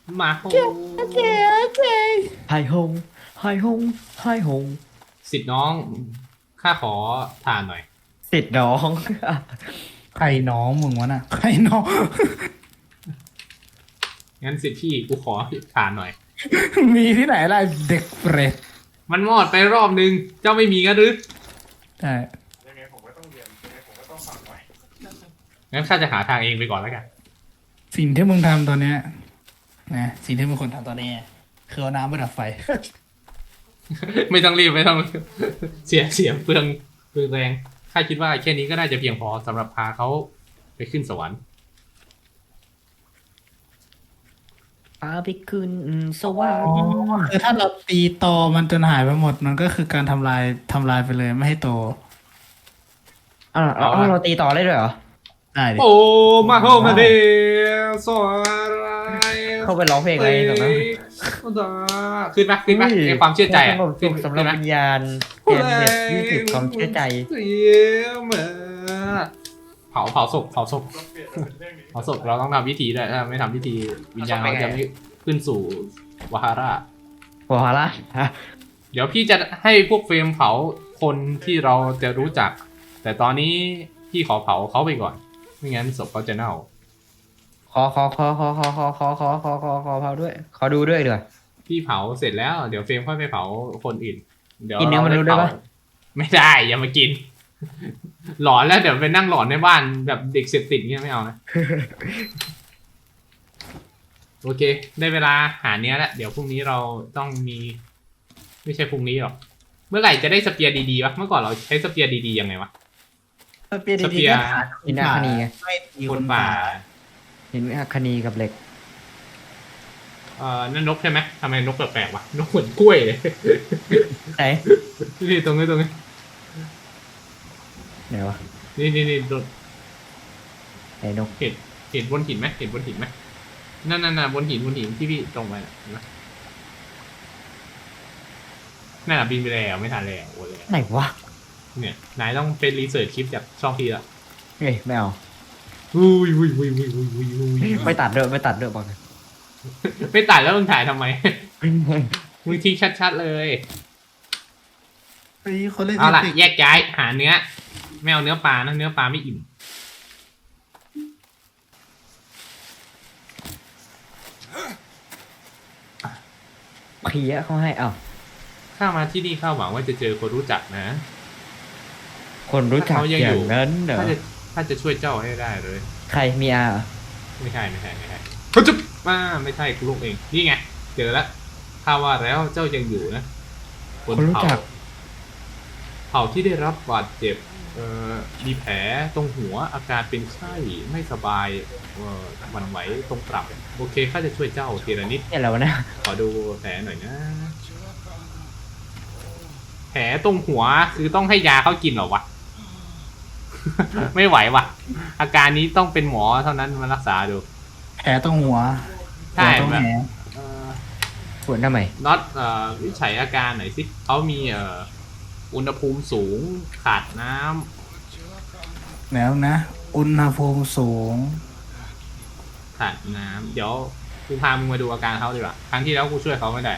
มาโฮโอเคโอเคไฮฮงไฮฮงไฮฮงสิทธิ์น้องข้าขอทานหน่อยติดน้องใครน้องมึงวะน่ะใครน้องงั้นสิทธิ์พี่กูขอทานหน่อยมีที่ไหนล่ะเด็กเปรตมันมอดไปรอบนึง เจ้าไม่มีกันหรือใช่ยังไงผมก็ต้องเรียนยังไงผมก็ต้องฟังหน่อยงั้นข้าจะหาทางเองไปก่อนแล้วกันสิ่งที่มึงทำตอนเนี้ยนะสิ่งที่มึงควรทำตอนนี้คือเอาน้ำไปดับไฟไม่ต้องรีบไม่ต้องรีบเสียเปลืองแรงข้าคิดว่าแค่นี้ก็น่าจะเพียงพอสำหรับพาเขาไปขึ้นสวรรค์พาไปขึ้นสวรรอ๋อค์คือถ้าเราตีตอมันจนหายไปหมดมันก็คือการทำลายไปเลยไม่ให้โตเราตีต่อได้ด้วยเหรอได้ดิโอ้มาโฮมาเดสวรรค์เข้าไปร้องเพลงอะไรตรงนั้นขึ้นปะขึ้นปะให้ความเชื่อใจอะสงบสุขสำหรับวิญญาณเปลี่ยนเน็ต20ความเชื่อใจเสียมาเผาศพต้องเปลี่ยนเป็นเรื่องนี้เผาศพเราต้องทำพิธีด้วยถ้าไม่ทำพิธีวิญญาณเราจะไม่ขึ้นสู่วาฮาระหัวหาละฮะเดี๋ยวพี่จะให้พวกเฟรมเผาคนที่เราจะรู้จัก แต่ตอนนี้พี่ขอเผาเขาไปก่อน ไม่งั้นศพเขาจะเน่าขอเผาด้วย ขอดูด้วยเดี๋ยวพี่เผาเสร็จแล้วเดี๋ยวเฟรมค่อยไปเผาคนอื่น เดี๋ยวกินเนื้อมนุษย์ได้ปะไม่ได้อย่ามากิน หลอนแล้วเดี๋ยวไปนั่งหลอนในบ้านแบบเด็กเสพติดเงี้ยไม่เอานะ โอเค ได้เวลาหาเนี้ยแล้วเดี๋ยวพรุ่งนี้เราต้องมี ไม่ใช่พรุ่งนี้หรอกเมื่อไหร่จะได้สเปียร์ดีๆวะเมื่อก่อนเราใช้สเปียร์ดีๆยังไงวะเปลี่ยนสเปีดียๆร์ก็หาหินอัคนีไงไม่ตีคนป่าหินอัคนีกับเหล็กนั่นนกใช่ไหมทำไมนกแปลกๆวะนกเหมือนกล้วยเลยไหนนี่ตรงนี้ไหนวะนี่โดนไหนนกเห็นบนหินไหมเห็นบนหินไหมนั่นบนหินที่พี่ตรงไปน่ะเห็นไหมนั่นบินไปแล้วไม่ทันแล้วโอ้ยไหนวะเนี่ยนายต้องเป็นรีเสิร์ชคลิปจากช่องพี่ละเฮ้ยไม่เอาอุ้ยไม่ตัดด้วยบอกเลยไม่ตัดแล้วมึงถ่ายทำไม มึงทิ้งชัดๆเลยไอ้คนเล่นเอาล่ะเทคนิคแยกย้ายหาเนื้อไม่เอาเนื้อปลานะเนื้อปลาไม่อิ่มเพี้ยเขาให้อ้าวข้ามาที่นี่ข้าหวังว่าจะเจอคนรู้จักนะคนรู้จักเขายังออยู่ย่างนั้นเหรอถ้าจะช่วยเจ้าให้ได้เลยใครมีอาเหรอไม่ใช่เขาจะมาไม่ใช่กูลูกเองนี่ไงเจอแล้วข้าว่าแล้วเจ้ายังอยู่นะคนรู้จักเผ่าที่ได้รับบาดเจ็บมีแผลตรงหัวอาการเป็นไข้ไม่สบายหวั่นไหวตรงกลับโอเคข้าจะช่วยเจ้าทีละนิดเนี่ยอะไรวะเนี่ยขอดูแผลหน่อยนะ แผลตรงหัวคือต้องให้ยาเขากินเหรอวะ ไม่ไหวว่ะ อาการนี้ต้องเป็นหมอเท่านั้นมารักษาดูแผลตรงหัวใช่หัวตรงแบบแหนปวดทำไมน็อตวิจัยอาการหน่อยสิเขามีอุณหภูมิสูงขาดน้ำแล้วนะ อุณหภูมิสูงขาดน้ำเดี๋ยวกูพามึงมาดูอาการเขาดีกว่าครั้งที่แล้วกูช่วยเขาไม่ได้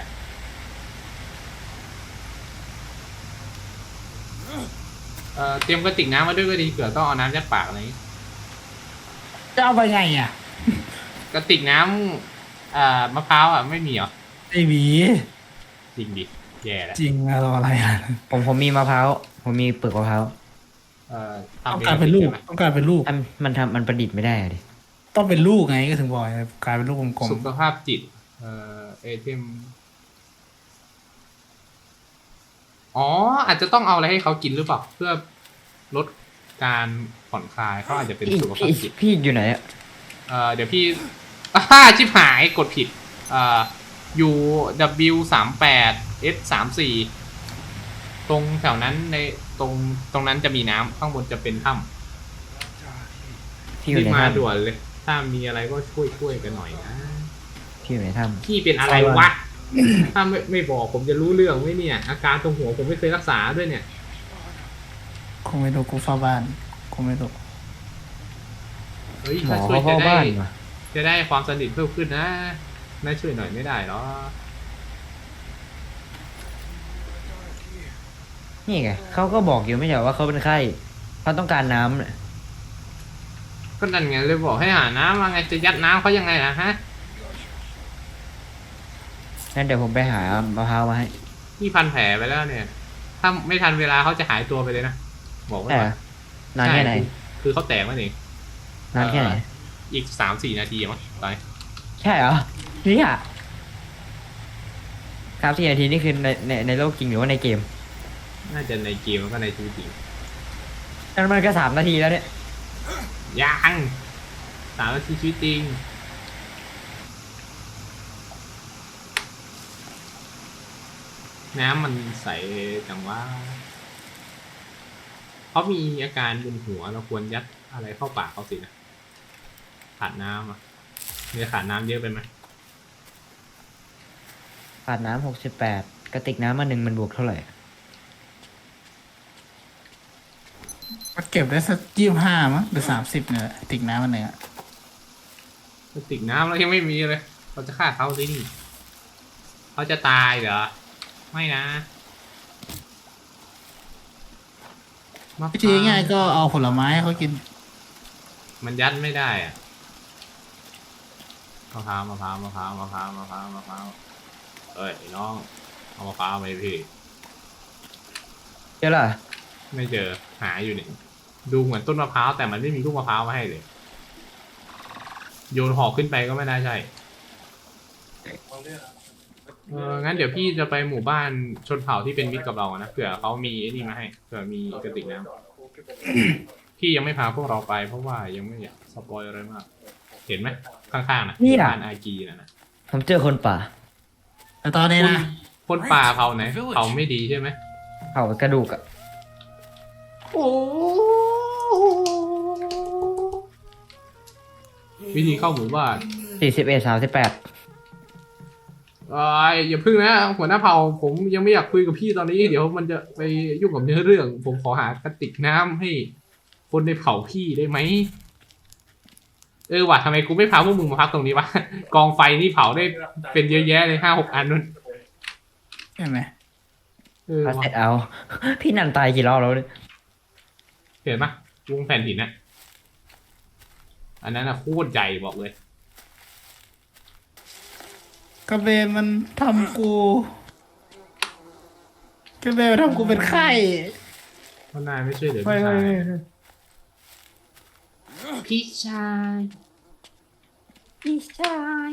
เตรียมกระติกน้ำมาด้วยก็ดีเผื่อต้องเอาน้ำยัดปากอะไรอย่างงี้จะเอาไปไงอ่ะกระติกน้ำมะพร้าวอ่ะไม่มีเหรอไอ้หวีจริงดิแย่แล้วจริงอะรออะไรอ่ะผมมีมะพร้าวผมมีเปลือกมะพร้าวทำต้องการเป็นลูกใช่ไหมต้องการเป็นลูกมันประดิษฐ์ไม่ได้อะดิต้องเป็นลูกไงก็ถึงบอกไงกลายเป็นลูกกลมสุขภาพจิตเอเทมอ๋ออาจจะต้องเอาอะไรให้เขากินหรือเปล่าเพื่อลดการผ่อนคลายเขาอาจจะเป็นสุขภาพจิตพี่อยู่ไหนอะเดี๋ยวพี่ชิบหายกดผิดUW38S34ตรงแถวนั้นในตรงนั้นจะมีน้ำข้างบนจะเป็นถ้พี่ำอยู่รีบในมาถ้ำด่วนเลย ถ้ามีอะไรก็ช่วยกันหน่อยนะพี่อยู่ในถ้พี่เป็นอะไรวะ ถ้าไม่บอกผมจะรู้เรื่องไหมเนี่ย อาการตรงหัวผมไม่เคยรักษาด้วยเนี่ยๆคงไม่รู้กูเฝ้าบ้านคงไม่รู้เฮ้ยำหมถ้าอช่วยเขาจะเฝ้าได้บ้านว่ะจะได้ความสนิทเพิ่มขึ้นนะนายช่วยหน่อยไม่ได้หรอนี่ไงเขาก็บอกอยู่ไม่ใช่เหรอว่าเขาเป็นไข้เขาต้องการน้ำเนี่ยก็นั่นไงเลยบอกให้หาน้ำมาไงจะยัดน้ำเขายังไงล่ะฮะงั้นเดี๋ยวผมไปหามะพร้าวมาให้นี่พันแผลไปแล้วเนี่ย ถ้าไม่ทันเวลาเขาจะหายตัวไปเลยนะบอกไว้แต่ก่อนนานแค่ไหนใช่คือเขาแตกมาเองนานแค่ไหนอีก3-4 นาทีมั้งตอนใช่เหรอเนี่ย3-4 นาทีนี่คือในโลกจริงหรือว่าในเกมน่าจะในเกมแล้วก็ในชีวิตจริงนั่นมันก็3 นาทีแล้วเนี่ยยัง3 นาทีชีวิตจริง น้ำมันใสจังว่าเขามีอาการบนหัวเราควรยัดอะไรเข้าปากเขาสินะขาดน้ำอ่ะมีขาดน้ำเยอะไปไหมขาดน้ำ68กระติกน้ำมา1มันบวกเท่าไหร่ก็เก็บได้สัก25มั้งหรือ30เนี่ยแหละติกน้ำมันเนี่ยกระติกน้ำเรายังไม่มีเลย เราจะฆ่าเขาที่นี่เขาจะตายเหรอไม่นะมะพวิธีร้าวง่ายๆก็เอาผลไม้ให้เขากินมันยัดไม่ได้อะมะพร้าวมะพร้าวมะพร้าวมะพร้าวมะพร้าวมะพร้าวเอ้ยไอ้น้องเอามะพร้าวไหมพี่เจ้าล่ะไม่เจอหาอยู่เนี่ยดูเหมือนต้นมะพร้าวแต่มันไม่มีลูกมะพร้าวมาให้เลย โยนหอกขึ้นไปก็ไม่น่าใช่เอาเรื่องอะงั้นเดี๋ยวพี่จะไปหมู่บ้านชนเผ่าที่เป็นมิตรกับเราอะนะเผื่อเขามีไอ้นี่มาให้เผื่อมีกระติกน้ำพี่ยังไม่พาพวกเราไปเพราะว่ายังไม่อยากสปอยอะไรมาก เห็นไหมข้างๆนะบ้านอากีนะผมเจอคนป่าแต่ตอนนี้คนนะคนป่าเผ่าไหนเผ่าไม่ดีใช่ไหมเผากระดูกอะโอ้วิธีเข้าหมู่บ้าน 41-38 อย่าพึ่งนะหัวหน้าเผ่าผมยังไม่อยากคุยกับพี่ตอนนี้ เดี๋ยวมันจะไปยุ่งกับเนื้อเรื่อง ผมขอหากระติกน้ำให้คนในเผ่าพี่ได้ไหมว่ะทำไมกูไม่พาพวกมึงมาพักตรงนี้วะ กองไฟนี่เผาได้เป็นเยอะแยะเลย5-6 อันนู่นใช่ไหมพาเสร็ว่ะจเอา พี่นันตายกี่รอบแล้วเนี่ยเห็นปะวงแผ่นหินนะอันนั้นอะโคตรใหญ่บอกเลยกระเบนมันทำกูกระเบนมันทำกูเป็นไข้เพราะนายไม่ช่วยเหลือไม่พี่ชายพี่ชาย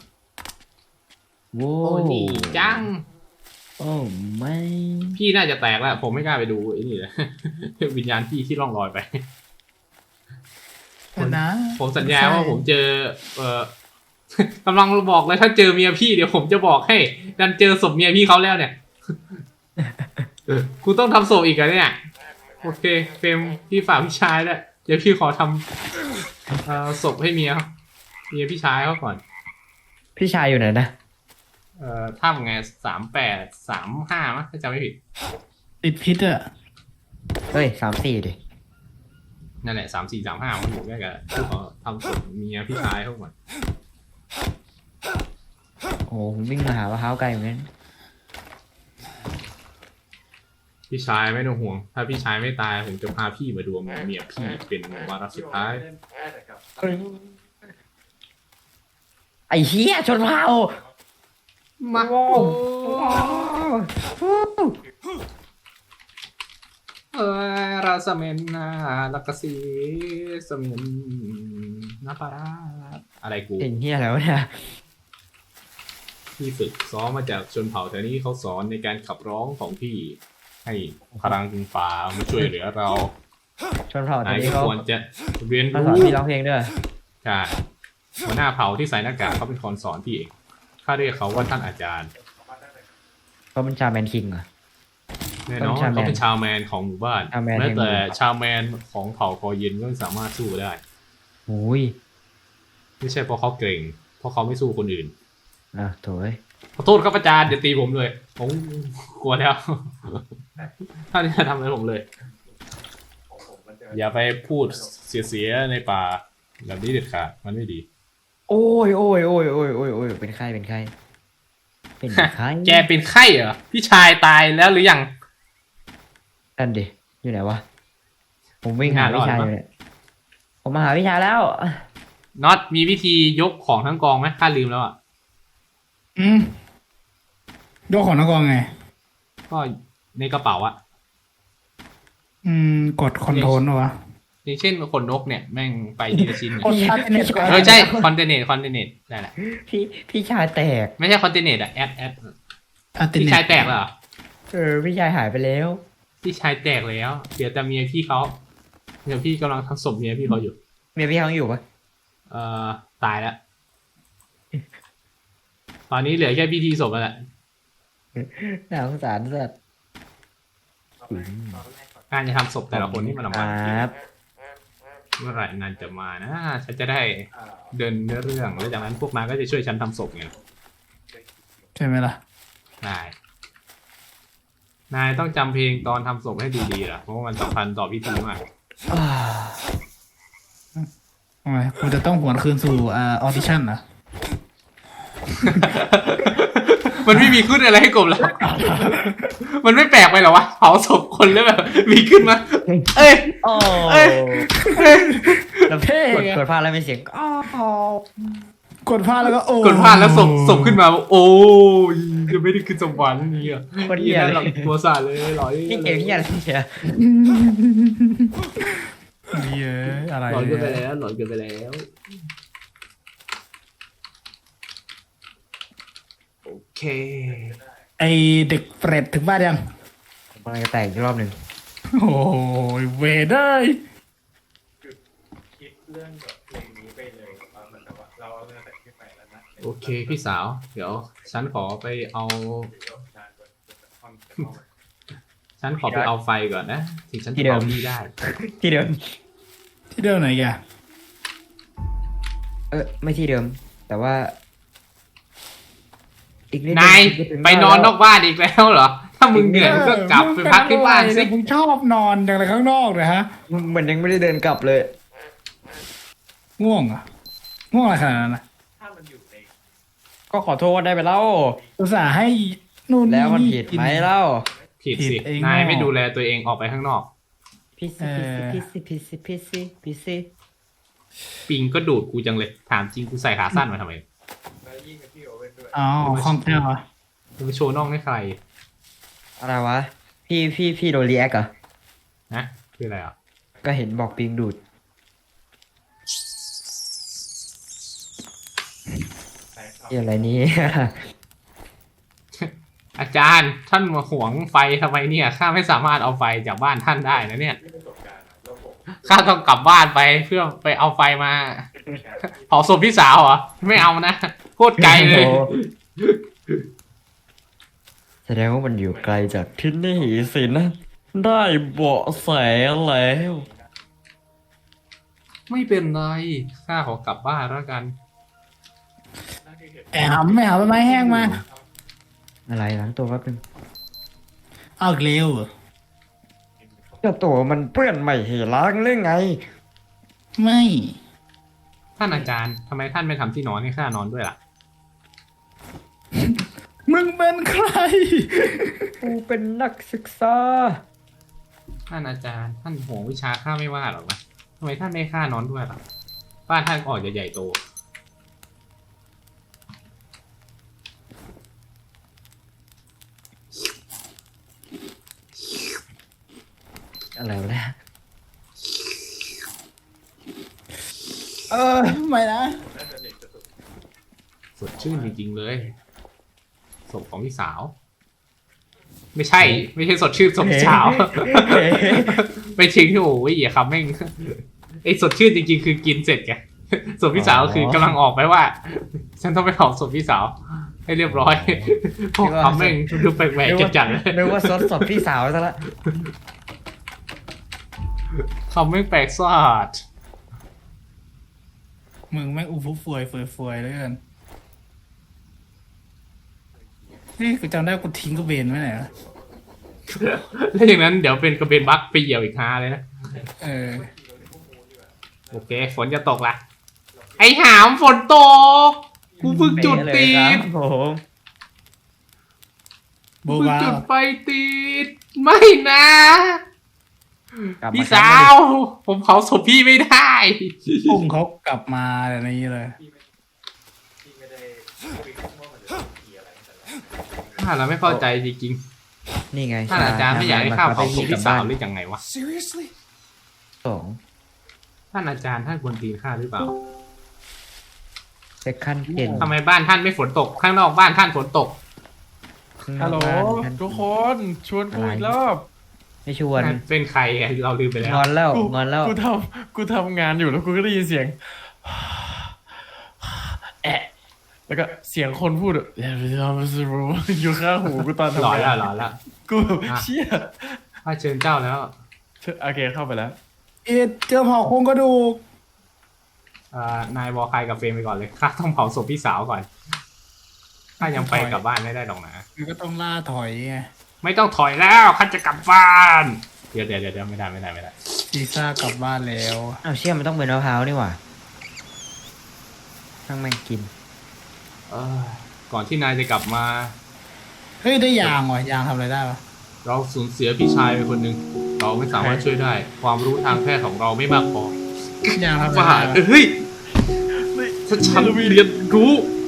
โว้โอ้ดีจังโอ้ไม่พี่น่าจะแตกแล้ว ผมไม่กล้าไปดูไอ้นี่เลย วิญญาณพี่ที่ล่องลอยไปแต่นะผมสัญญาว่าผมเจอ กำลังบอกเลยถ้าเจอเมียพี่เดี๋ยวผมจะบอกให้ ดันเจอศพเมียพี่เขาแล้วเนี่ยกูต้องทำศพอีกอะเนี่ย โอเคเฟรมพี่ฝากพี่ชายด้วยเดี๋ยวพี่ขอทำศพให้เมียพี่ชายเขาก่อนพี่ชายอยู่ไหนนะถ้าไง38-35มั้งถ้าจำไม่ผิดติดพิษอะเฮ้ย34ดินั่นแหละ34-35มันอยู่ใกล้กันพี่ขอทำศพเมียพี่ชายเขาก่อนโอ้โหผมวิ่งมาหามะพร้าวไกลเหมือนกันพี่ชายไม่ต้องห่วง ถ้าพี่ชายไม่ตายผมจะพาพี่มาดูเมียพี่เป็นวาระสุดท้ายเล่นแพ้แต่กับไอ้เหี้ยชนเผ่ามาโอ้ราสเมนนาลักสีสเมนนาปาราอะไรกูเป็นเหี้ยแล้วะเนี่ยพี่ฝึกซ้อมมาจากชนเผ่าแถวนี้เขาสอนในการขับร้องของพี่ ให้พลังป่ามาช่วยเหลือเราชนเผ่าตอนนายนี้ก็เขาควรจะเรียนเขาสรู้อนพี่ร้องเพลงด้วยใช่หัวหน้าเผ่าที่ใส่หน้ากากเขาเป็นคนสอนพี่เองข้าเรียกเขาว่าท่านอาจารย์เขาเป็นชาแมนคิงเหรอแน่นอนชาวแมนเขาเป็นชาวแมนของหมู่บ้านชาวแมนแม้แต่แห่งหมู่ชาวแมนของเผ่าคอเย็นก็สามารถสู้ได้โอ้ยไม่ใช่เพราะเขาเก่ง เพราะเขาไม่สู้คนอื่นโถ่เอ้ยขอโทษครับอาจารย์อย่าตีผมเลย ผมกลัวแล้ว ท่านอย่าทำอะไรผมเลยของผมมันจะอย่าไปพูดเสียๆในป่าแบบนี้เด็ดขาดมันไม่ดีโอ้ยโอ้ยโอ้ยโอ้ยโอ้ยโอ้ยเป็นไข้เป็นไข้เป็นไข้แกเป็นไข้เหรอพี่ชายตายแล้วหรือยังนั่นดิอยู่ไหนวะผมวิ่งหาไม่น่ารอดพี่ชายอยู่เนี่ยผมมาหาพี่ชายแล้วน็อตมีวิธียกของทั้งกองไหมข้าลืมแล้วอ่ะอืมยกของนักกองไงก็ในกระเป๋าอะกดคอนโทรลวะอย่างเช่นขนนกเนี่ยแม่งไปทีละชิ้นเนี่ยกดอัลเทอร์เนทใช่คอนเทนเนตได้แหละพี่ชายแตกไม่ใช่คอนเทนเนตอะแอดอัลเทอร์พี่เนชายทแตกเหรอพี่ชายหายไปแล้วพี่ชายแตกแล้วเดี๋ยวแต่เมียพี่เขาเดี๋ยวพี่กำลังทำศพเมียพี่เขาอยู่เมียพี่เขาอยู่ปะตายแล้ว ตอนนี้เหลือแค่พิธีศพแล้วแหละน่าสงสารสัตว์การจะทำศพแต่ละคนที่มันออกคมารับเมื่อไหร่นานจะมานะฉันจะได้เดินเนื้อเรื่องแล้วจากนั้นพวกนายก็จะช่วยฉันทำศพไงใช่ไหมล่ะได้นายต้องจำเพลงตอนทำศพให้ดีๆล่ะเพราะว่ามันสำคัญต่อพิธีมากทำไมกูจะต้องหวนคืนสู่ออดิชั่นเหรอมันไม่มีขึ้นอะไรให้กบแล้ว มันไม่แปลกไปเหรอวะเผาศพคนแล้วแบบ มีขึ้นมา เอ้ยโอ้เอ้ยแล้วเท่กดไงกดพลาดแล้วมีเสียงอ้อกดพลาดแล้วก็โอ้กดพลาดแล้วศพขึ้นมา โอ้ยจะไม่ได้ขึ้นสวรรค์นี่อ่ะคนเหี้ยหเลลัยตัวสาดเลยหลอยพี่เกมเหี้ยอะไรเนี่ยเยอะอะไรหลอนเกินไปเนี่ยแล้วหลอนเกินไปแล้ว โอเคไอเด็กเปรตถึงบ้านยังผมกำลังจะแตกอีกรอบหนึ่งโอ้ยเวเดอร์คิดเรื่องแบบเพลงนี้ไปเลยเหมือนกับว่าเราเอาเรื่องแต่ขึ้นไปแล้วนะโอเคพี่สาว เดี๋ยว ฉันขอไปเอา ฉันขอไปเอาไฟก่อนนะ ถึงฉันจะเอานี่ได้ที่เดิมที่เดิมไหนแกไม่ที่เดิม แต่ว่า อีกนิดนายจะถึงไปนอนนอกบ้านอีกแล้วเหรอ ถ้ามึงเหนื่อยมึงก็กลับไปพักที่บ้านสิมึงชอบนอนอย่างไรข้างนอกเลยฮะเหมือนยังไม่ได้เดินกลับเลยง่วงเหรอ่ะง่วงอะไรขนาดนั้นนะถ้ามันอยู่ในก็ขอโทษได้ไปแล้วอุตส่าห์ให้นู่นแล้วมันนี่ผิดกินไหมเล่าผิดผิสิดเองนายเนอะไม่ดูแลตัวเองออกไปข้างนอกพี่ซีพี่ซีพี่ซีพี่ซีพี่ซีปิงก็ดูดกูจังเลย ถามจริงกูใส่ขาสั้นมาทำไมแล้วยิ่งกับพี่โอเว่นด้วยอ๋อคอมเทลเหรอมึงไปโชว์น่องให้ใครอะไรวะ พี่โดนรีแอคเหรอนะคืออะไรอ่ะก็เห็นบอกปิงดูดแต่ครับเหี้ยอะไรนี้อาจารย์ท่านมาหวงไฟทำไมเนี่ยข้าไม่สามารถเอาไฟจากบ้านท่านได้นะเนี่ยที่ประสบการณ์อะแล้วผมข้าต้องกลับบ้านไปเพื่อไปเอาไฟมาเผาศพพี่สาวเหรอไม่เอานะโคตรไกลเลยโอ้แสดงว่ามันอยู่ไกลจากที่นี่สินะ ได้เบาะแสแล้วไม่เป็นไรข้าขอกลับบ้านแล้วกันนั่นคือเหตุแอบไม่เอาใบไม้แห้งมาอะไรล้างตัวแป๊บนึงเอาอีกเร็วเหรอเจ้าตัวมันเปื้อนไม่เห็นล้างหรือไงไม่ท่านอาจารย์ทำไมท่านไม่ทำที่นอนให้ข้านอนด้วยล่ะมึงเป็นใครกูเป็นนักศึกษาท่านอาจารย์ท่านห่วงวิชาข้าไม่ว่าหรอกนะทำไมท่านไม่ให้ข้านอนด้วยล่ะบ้านท่านก็ออกจะใหญ่โตอะไรวะเนี่ยไม่นะน่าจะเด็กจะสุดสดชื่นจริงๆเลยศพของพี่สาว ไม่ใช่ ไม่ใช่สดชื่นศพพี่สาว ไปทิ้งที่โอ้ยอย่าคำแม่งไอ้สดชื่นจริงๆ คือกินเสร็จไงศพพี่สาวคือกำลังออกไปว่า ฉันต้องไปเผาศพพี่สาว ให้เรียบร้อยพวกคำแม่งดูแปลกๆจัดๆเลยนึกว่าซดสดพี่สาวซะละคำแม่งแปลกซาดมึงแม่งอู้ฟู่ฟวยเฟยเฟยเลยกันนี่กูจำได้กูทิ้งกระเบนไว้ไหนวะแล้วอย่างนั้นเดี๋ยวเป็นกระเบนบักไปเหยียบอีกฮาเลยนะเออโอเค ฝนจะตกละเราเปลี่ยนไอ้หามฝนตกกูเพิ่งจุดเลยติครัดบผมโบเพิ่งบ้าจุดไฟติดไม่นะกลับพี่มาสาว ผมเผาศพพี่ไม่ได้พุ่งเขากลับมาแบบนี้เลยที่ไม่ได้คุยกันว่ามันจะเป็นผีอะไรแต่ละถ้าเราไม่เข้าใจจริงนี่ไงๆท่านอาจารย์ไม่อยากให้ข้าเผาศพพี่สาวหหรืรืออยังไงวะ Seriously? สองท่านอาจารย์ท่านควรตีนข้าหรือเปล่าเซคันเกนทำไมบ้านท่านไม่ฝนตก ข้างนอกบ้านท่านฝนตกฮัลโหลทุกคนชวนกูอีกรอบไม่ชวนเป็นใครอะเราลืมไปแล้วงอนแล้วงอนแล้วกูทำงานอยู่แล้วกูก็ได้ยินเสียง แอะแล้วก็เสียงคนพูดอะอยู่ข้างหูกูตอนหลอนทำงาแล้วนหลอนแล้วกูแบบเชี่ยข้าเชิญเจ้าแล้วโอเคเข้าไปแล้วเจอเผาโครงกระดูกนายวอลคายกับเฟรมไปก่อนเลยข้าต้องเผาศพพี่สาวก่อนข้ายังไปกลับบ้านไม่ได้หรอกนะมันก็ต้องล่าถอยไงไม่ต้องถอยแล้วข้าจะกลับบ้านเดี๋ยวไม่ได้ซีซ่ากลับบ้านแล้วอ้าวเชี่ยมันต้องเป็นมะพร้าวนี่หว่าทั้งแม่งกินก่อนที่นายจะกลับมาเฮ้ยได้ยางว่ะยางทำอะไรได้วะเราสูญเสียพี่ชายไปคนหนึ่งเราไม่สามารถช่วยได้ ความรู้ทางแพทย์ของเราไม่มากพอยางทำอะไรว่าได้วะเฮ้ยถ้าฉันเรียนรู้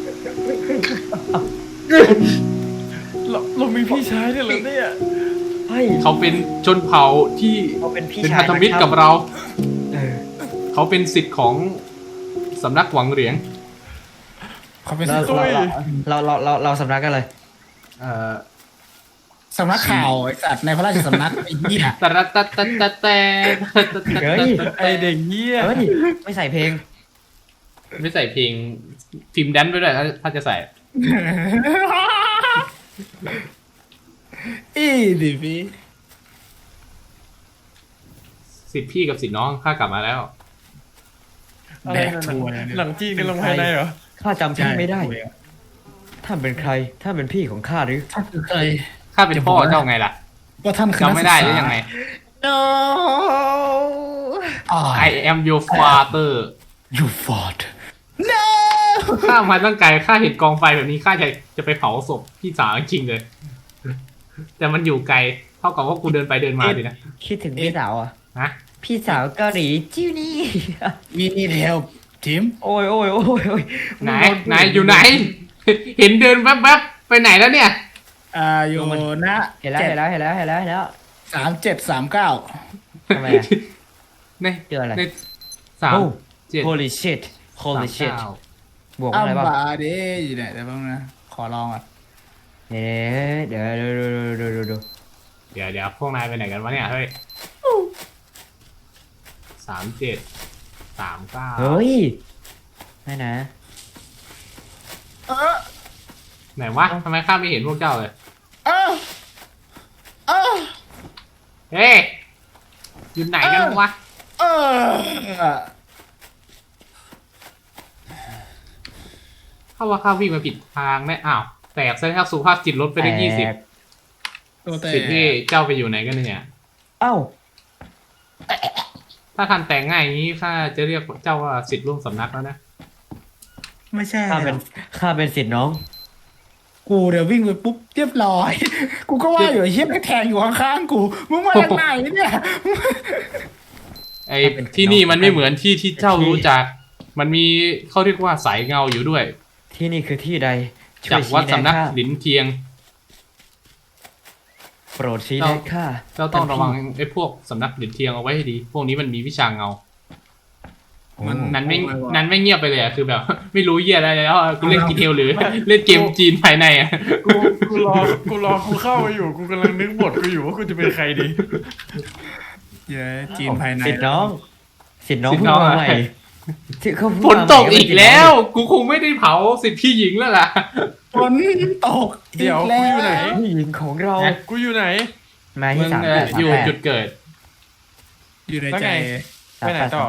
เรามีพี่ชายด้วยเหรอเนี่ยเฮ้ยเขาเป็นชนเผ่าที่เขาเป็นพี่เป็นชายพันธมิตรกับเราเออเขาเป็นสิทธิ์ของสำนักหวังเหรียญเขาเป็นเราสำนักเราสำนักกันเลยสำนักข่าวไอ้สัตว์ในพระราชสำนักไอ้เหี้ยตะระตะตะตะแต่เฮ้ยไอเด็กเหี้ยเฮ้ยไม่ใส่เพลงไม่ใส่เพลงฟิล์มแดนซ์ไปด้วยถ้าจะใส่อีดิพี่สิทธิ์พี่กับสิทธิ์น้องข้ากลับมาแล้วอะไรนะหนังจีนกันลงภายในเหรอข้าจำชื่อไม่ได้ท่านเป็นใครท่านเป็นพี่ของข้าหรือท่านคือใครข้าเป็นพ่อเจ้าไงล่ะว่าท่านคือจำไม่ได้หรือยังไง no I am your father you fought no ข้ามาตั้งไกลข้าเห็นกองไฟแบบนี้ข้าจะไปเผาศพพี่สาวจริงๆเลย แต่มันอยู่ไกลเท่ากับว่ากูเดินไปเดินมาดินะคิดถึงพี่สาวอ่ะฮะพี่สาวเกาหลีจิ้วนี่ we need help ทีมโอ้ยไหนอยู่ไหน เห็นเดินแวบๆไปไหนแล้วเนี่ยอยู่นะเห็นแล้ว 3739 ทำไมอ่ะในเจออะไรในสามโอ้เจ็ด holy shit สาม holy shit เก้าบวกอัอะไรมบ้างบาเดอยู่ไหนแต่บ้างนะ ขอลองอ่ะเดี๋ยวดูเดี๋ยวพวกนายไปไหนกันวะเนี่ยเฮ้ย3739 เฮ้ยไม่นะไหนวะทำไมข้าไม่เห็นพวกเจ้าเลย เฮ้ยอยู่ไหนกันวะเข้าว่าข้าวิ่งมาผิดทางแน่อ้าวแตกซะแล้วสุขภาพจิตลดไปได้20 ตัวแต่สิทธิ์ที่เจ้าไปอยู่ไหนกันเนี่ยเอ้าถ้าทันแต่งง่ายอย่างนี้ข้าจะเรียกเจ้าว่าสิทธิ์ร่วมสำนักแล้วนะไม่ใช่ข้าเป็นสิทธิ์น้องกูเดี๋ยววิ่งไปปุ๊บเรียบร้อย กูก็ว่าอยู่ไอ้เหี้ยแทงอยู่ข้างๆกู มึงมาจากไหนเนี่ยไอ้ที่นี่มันไม่เหมือนที่ที่เจ้ารู้จัก มันมีเขาเรียกว่าสายเงาอยู่ด้วยที่นี่คือที่ใดช่จาว กยวัดชี้สำนักแนะข้าหลินเทียงโปรดชี้แนะข้าเจ้าต้องระวังไอ้พวกสำนักหลินเทียงเอาไว้ให้ดี พวกนี้มันมีวิชาเงา นั้นไม่เงียบไปเลยอะคือแบบ ไม่รู้เหี้ยอะไรแล้วอะกูเล่นกีเทลหรือ เล่นเกมจีนภายในอะกูรอกูเข้าไปอยู่กูกำลังนึกบทกูอยู่ว่ากูจะเป็นใครดีเย้จีนภายในสิทธิ์น้องเพิ่งมาใหม่ที่เขาฝนตกอีกแล้ว กูคงไม่ได้เผาสิทธิ์พี่หญิงแล้วล่ะฝนตกเดี๋ยวอีกกูอยู่ไหนผู้หญิงของเรากูอยู่ไหนมามึที่ง 38 อยู่จุดเกิดอยู่ในแล้วใจไง ไปไหนต่อ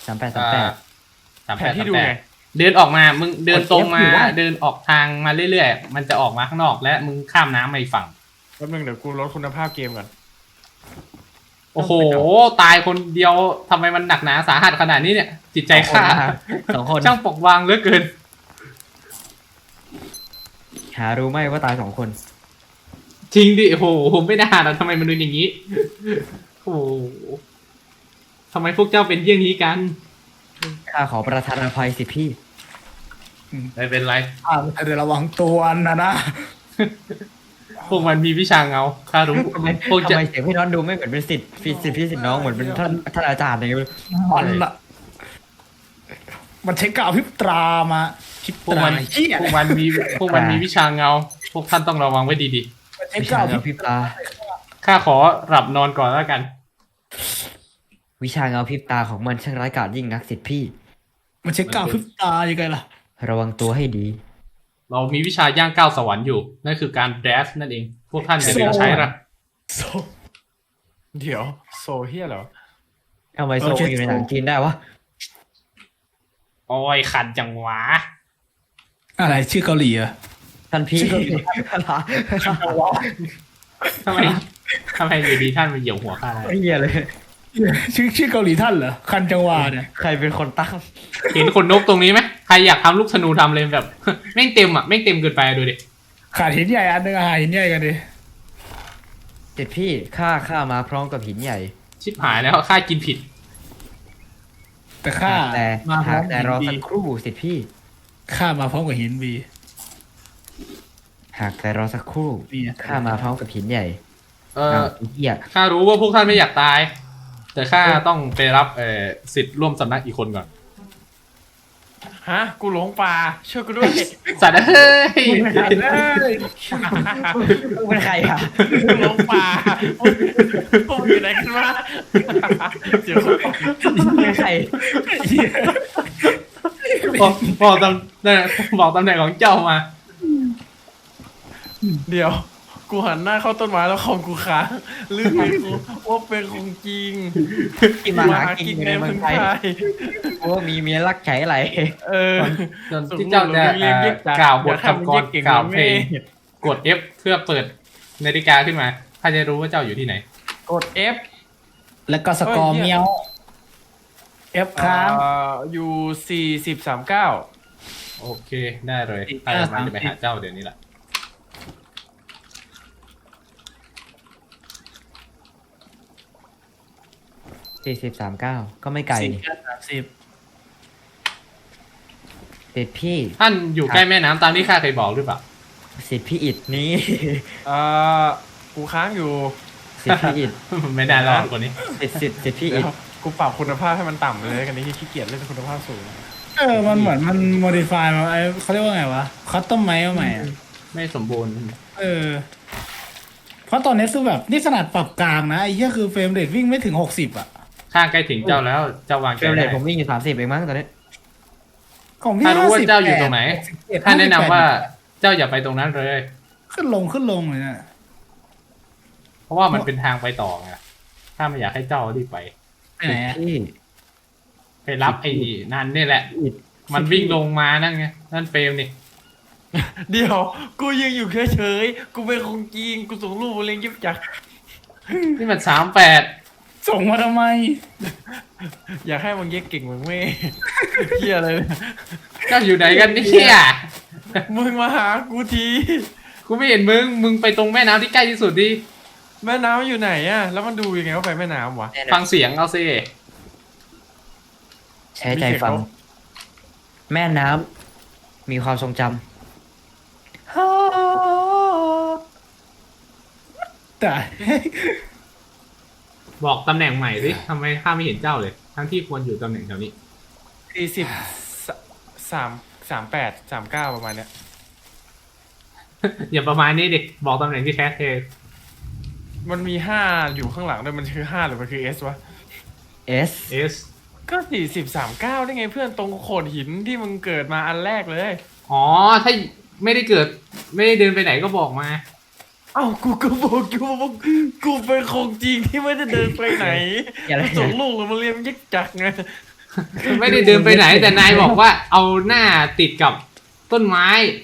38 แผนที่ดูไงเดินออกมา มึงเดินตรงมากด F อยู่วะเดินออกทางมาเรื่อยๆ มันจะออกมาข้างนอกและมึงข้ามน้ำมาอีกฝั่งแป๊บนึงเดี๋ยวกูลดคุณภาพเกมก่อนโอ้โห ตายคนเดียวทำไมมันหนักหนาสาหัสขนาดนี้เนี่ย จิตใจข้า 2 คนช่างปกวางเหลือเกินหารู้ไหมว่าตาย2 คนจริงดิโอ้โหไม่น่านะทำไมมันเป็นอย่างนี้ โอ้โหทำไมพวกเจ้าเป็นเยี่ยงนี้กันข้าขอประทานอภัยสิพี่ไม่เป็นไรเดี๋ยวระวังตัวนะพวกมันมีวิชาเงาข้ารู้ทำไมพวกจะเสียงพี่น้องดูไม่เหมือนเป็นสิทธิ์พี่สิทธิ์น้องเหมือนเป็นท่านอาจารย์อะไรอย่างเงี้ยมันอะมันใช้กาวพริบตรามาพริบพวกตรามันเหี้ยพวกมันมีวิชาเงา พวกท่านต้องระวังไว้ดีมันใช้วิกาชาว เงาพริบพริบตาๆข้าขอหลับนอนก่อนแล้วกันวิชาเงาพริบตาของมันช่างร้ายกาจยิ่งนักสิทธิ์พี่มันใช้กาวพริบตายังไงล่ะระวังตัวให้ดีเรามีวิชาย่างก้าวสวรรค์อยู่ นั่นคือการแดสนั่นเอง พวกท่านอย่าลืมใช้ละเดี๋ยวโซเฮียเหรอทำไมโซอยู่ในหนังจีนได้วะโอ้ยขันจังหวะอะไรชื่อเกาหลีอะท่านพี่ทำไมทำไมอยู่ดีท่านมาเหยียบหัวข้าได้เฮียเลยชื่อเกาหลีท่านเหรอคันจังหวาเนี่ยใครเป็นคนตั้งเห็นขนนกตรงนี้ไหมใครอยากทำลูกธนูทำเลยแบบ แม่งเต็มอ่ะแม่งเต็มเกินไปดูดิขาดหินใหญ่อันนึงหินใหญ่กันดิสิทธิ์พี่ข้ามาพร้อมกับหินใหญ่ชิบหายแล้วข้ากินผิดแต่ข้าแต่มาพร้อมแต่หินรอบีสักครู่สิทธิ์พี่ข้ามาพร้อมกับหินบีหากแต่รอสักครู่เนี่ยข้ามาพร้อมกับหินใหญ่เอออ้าวเฮียข้ารู้ว่าพวกท่านไม่อยากตาย แต่ข้าต้องไปรับสิทธิ์ร่วมสำนักอีกคนก่อนฮะ กูหลงป่าช่วยกูด้วยสัตว์เฮ้ยมึงเป็นใครอ่ะกูหลงป่าพวกมึงอยู่ไหนกันวะเดี๋ยวมึงเป็นใครบอกตำแหน่งบอกตำแหน่งของเจ้ามาเดี๋ยว กูหันหน้าเข้าต้นไม้แล้วคอมกูค้างลืมไปกูว่าเป็นของจริงที่มาหากินอยู่ในเมืองไทยกูว่ามีเมียรักใช้อะไรเออจนที่เจ้าจะกล่าวบทคำกรกล่าวเพลงกด F เพื่อเปิดนาฬิกาขึ้นมาข้าจะรู้ว่าเจ้าอยู่ที่ไหนกด F แล้วก็สกอร์เมียวเอฟค้างอยู่4039 โอเคได้เลยข้ากำลังจะไปหาเจ้าเดี๋ยวนี้แหละ 4039ก็ไม่ไกลนี่ 40 สิทธิ์พี่ท่านอยู่ใกล้แม่น้ำตามที่ข้าเคยบอกหรือเปล่าสิทธิ์พี่อิดนี้เอ่อกูค้างอยู่สิทธิ์พี่อิดไม่ได้แล้วคนนี้สิทธิ์พี่เดี๋อิยดวกูปรับคุณภาพให้มันต่ำเลยกันนี้ขี้เกียจเล่นคุณภาพสูงมันเหมือนมันโมดิฟายมาเขาเรียกว่าไงวะคัสตอมไมซ์มาใหม่อะไม่สมบูรณ์เพราะตอนนี้คือแบบนี่ขนาดปรับกลางนะไอ้เหี้ยคือเฟรมเรทวิ่งไม่ถึง60อ่ะข้าใกล้ถึงเจ้าแล้วเจ้าวางเฟใจรมเรได้ทผมวิ่งอยู่30เองมั้งตอนนี้ของพี่ถ้ารู้ว่า 50 เจ้าอยู่ตรงไหน 61 ท่านแนะนำว่าเจ้าอย่าไปตรงนั้นเลยขึ้นลงเลยนะเพราะว่ามันเป็นทางไปต่อไงข้าไม่อยากให้เจ้ารีบไปไปไหนอะพี่ไปรับไอ้นั่นนี่แหละอิดมันวิ่งลงมานั่นไงนั่นเฟรมนี่เดี๋ยว กูยังอยู่เฉยๆกูเป็นของจริงกูส่งรูปมาเลี้ยงยิบจักนี่มัน38 ส่งมาทำไมอยากให้มึงเย็กเก่งมึงไม่ เฮียอะไรเนี่ยเจ้าอยู่ไหนกันเนี่ยมึงมาหากูทีกูไม่เห็นมึงไปตรงแม่น้ำที่ใกล้ที่สุดดิแม่น้ำอยู่ไหนอะแล้วมันดูยังไงว่าไปแม่น้ำวะฟังเสียงเอาซิใช้ใจฟัง แม่น้ำมีความทรงจำแต่บอกตำแหน่งใหม่สิทำไมข้าไม่เห็นเจ้าเลย ทั้งที่ควรอยู่ตำแหน่งแถวนี้ 403839ประมาณเนี้ยอย่าประมาณนี้ดิบอกตำแหน่งที่แท้เทมันมี5อยู่ข้างหลังด้วยมันคือ5หรือมันคือ S วะ S S ก็4039ได้ไงเพื่อนตรงโขดหินที่มึงเกิดมาอันแรกเลยอ๋อถ้าไม่ได้เกิดไม่ได้เดินไปไหนก็บอกมาเอ้ากูก็บอกอยู่ว่ากูเป็นของจริงที่ไม่ได้เดินไปไหนอย่าเลยส่งลูกมาเรียนยิกจักไงไม่ได้เดินไปไหน แต่นายบอกว่าเอาหน้าติดกับต้นไม้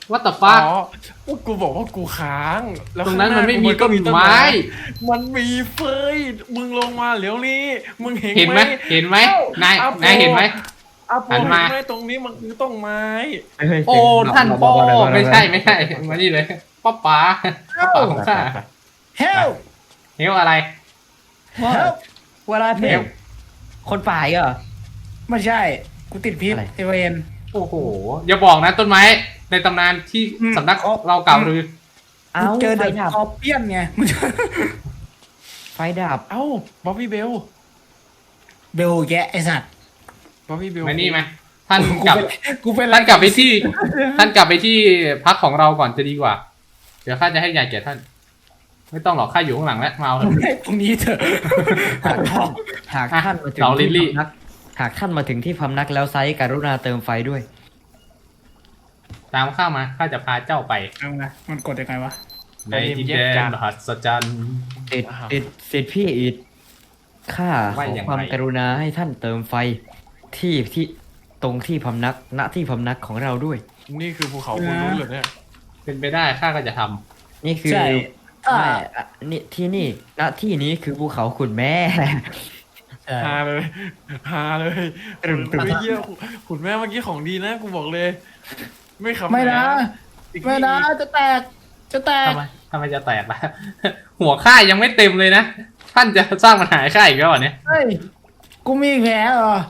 what the อ๋ fuck อพวกกูบอกว่ากูค้างแล้วตรงนั้นข้ามันหาไม่กูมีต้นไม้มันมีเฟยมึงลงมาเดี๋ยวนี้มึงเห็นเห็นไหมเห็นไหมนายนายเห็นไหมอาโปหันเห็มานไหมตรงนี้มันคือต้นไม้โอ้ท่านพ่อไม่ใช่มานี่เลยป้าป๋าของข้า help เฮลอะไร help เวลาเพลงคนป่าอีกเหรอไม่ใช่ กูติดพิษอะไรไอเวนโอ้โหอย่าบอกนะต้นไม้ในตำนานที่สำนักเรากล่าวลือเอ้าเจอไฟเด็กดับคอเปี้ยนไงมึงไฟดับเอ้าบ๊อบบี้เบลเบลแกะไอสัตว์บ๊อบบี้เบลมานี่ไหมท่านกูกลับเป็นกูเป็นท่านกลับไปที่ ท่านกลับไปที่พักของเราก่อนจะดีกว่า เดี๋ยวข้าจะให้ยาแก่ท่าน ไม่ต้องหรอกข้าอยู่ข้างหลังแล้วมาเอาเถอะตรงนี้เถอะหากท่านมาถึงเสาลิที่ลลี่พำนักหากท่านมาถึงที่พำนักแล้วไซส์กรุณาเติมไฟด้วยตามข้ามาข้าจะพาเจ้าไปเอาไงมันกดยังไงวะในดินแดนมหัศจรรย์ติดพี่อีดข้าขว่าออย่างไรความกรุณาให้ท่านเติมไฟที่ตรงที่พำนักณที่พำนักของเราด้วยนี่คือภูเขาคุณรู้เหรอเนี่ยเป็นไปได้ข้าก็จะทำนี่คือใช่ไม่อ่ะนี่ที่นี่ณที่นี้คือภูเขาขุนแม่ใช่ฮาเลยฮาเลยตึมตึมไม่เยี่ยขุนแม่เมื่อกี้ของดีนะกูบอกเลย ไม่ขำไม่นะอีกไม่นะจะแตกจะแตกทำไมจะแตกล่ะ หัวข้ายังไม่เต็มเลยนะ ท่านจะสร้างปัญหาให้ข้าอีกแล้วเหรอเนี่ยเฮ้ยกูมีแผลเหรอ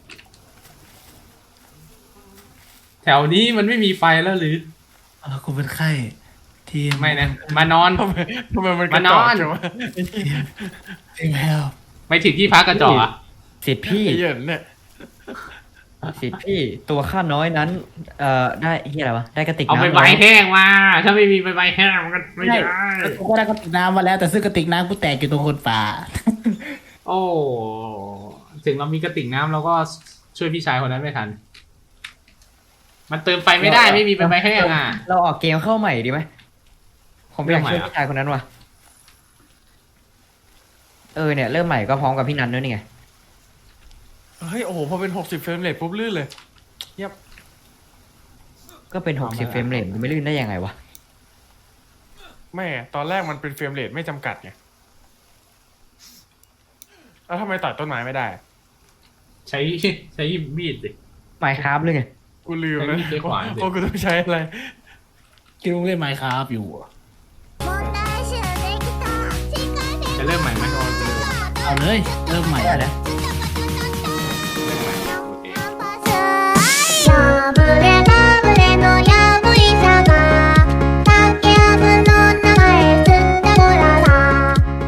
แถวนี้มันไม่มีไฟแล้วหรือกูเป็นไข้ทีมไม่นะ มานอนทำไมมันกระจอกมานอนจังวะทีมแฮลไม่ถึงที่พักกระจอกอะสิทธิพี่ไอ้เหยินเนี่ยสิทธิพี่ตัวข้าน้อยนั้นได้เฮียอะไรวะได้กระติกเอาน้ำไปใบแห้งมา ถ้าไม่มีใบแห้งมันก็ไม่ได้กูก็ได้กระติกน้ำมาแล้วแต่ซึ่งกระติกน้ำกูแตกอยู่ตรงคนป่าโอ้ ถึงเรามีกระติกน้ำเราก็ช่วยพี่ชายคนนั้นไม่ทัน มันเติมไฟไม่ได้ไม่มีใบแห้งอ่ะเราออกเกมเข้าใหม่ดีไหมผมอยากช่วยเริ่มใหม่อะพี่ชายคนนั้นว่ะเนี่ยเริ่มใหม่ก็พร้อมกับพี่นันด้วยนี่ไงเฮ้ยโอ้โหพอเป็น60เฟรมเรทปุ๊บลื่นเลยก็เป็น60เฟรมเรทมันไม่ลื่นได้ยังไงวะแม่ตอนแรกมันเป็นเฟรมเรทไม่จำกัดไงแล้วทำไมตัดต้นไม้ไม่ได้ใช้ใช้มีดสิไมค์ครับเลยไงกูลืมแล้วใช้มีดใช้ขวานสิว่ากูต้องใช้อะไรคิดว่าเล่นไมค์ครับอยู่อะจะเริ่มใหม่ไหมเอาเลยเริ่มใหม่ได้นะเ